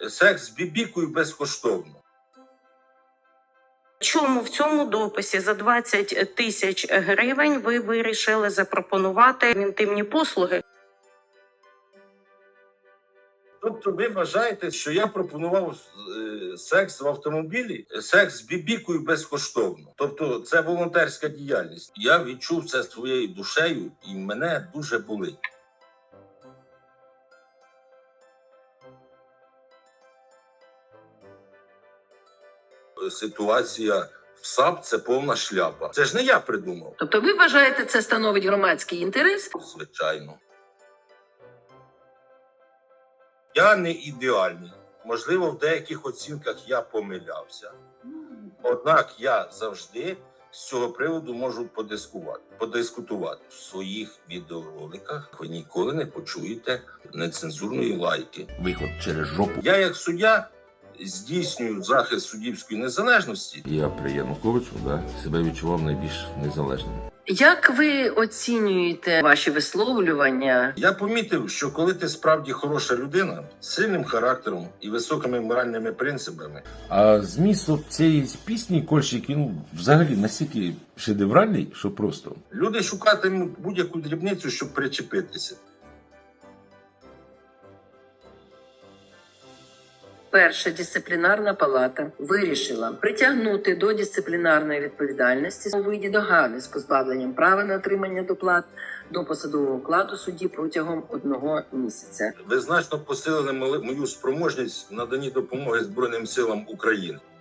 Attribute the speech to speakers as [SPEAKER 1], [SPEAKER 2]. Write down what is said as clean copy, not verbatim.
[SPEAKER 1] Секс з бібікою безкоштовно.
[SPEAKER 2] Чому в цьому дописі за 20 тисяч гривень ви вирішили запропонувати інтимні послуги?
[SPEAKER 1] Тобто ви вважаєте, що я пропонував секс в автомобілі, секс з бібікою безкоштовно. Тобто це волонтерська діяльність. Я відчув це своєю душею і мене дуже болить. Ситуація в САП – це повна шляпа. Це ж не я придумав.
[SPEAKER 3] Тобто ви вважаєте, це становить громадський інтерес?
[SPEAKER 1] Звичайно. Я не ідеальний. Можливо, в деяких оцінках я помилявся. Однак я завжди з цього приводу можу подискутувати. В своїх відеороликах ви ніколи не почуєте нецензурної лайки.
[SPEAKER 4] Виход через жопу.
[SPEAKER 1] Я як суддя здійснюю захист суддівської незалежності.
[SPEAKER 4] Я при Януковичу себе відчував найбільш незалежним.
[SPEAKER 3] Як ви оцінюєте ваші висловлювання?
[SPEAKER 1] Я помітив, що коли ти справді хороша людина, з сильним характером і високими моральними принципами,
[SPEAKER 4] А зміст от цієї пісні Кольщик, він взагалі настільки шедевральний, що просто.
[SPEAKER 1] люди шукатимуть будь-яку дрібницю, щоб причепитися.
[SPEAKER 3] Перша дисциплінарна палата вирішила притягнути до дисциплінарної відповідальності у виді догани з позбавленням права на отримання доплат до посадового окладу судді протягом 1 місяця.
[SPEAKER 1] Ви значно посилили мою спроможність в наданні допомоги Збройним силам України.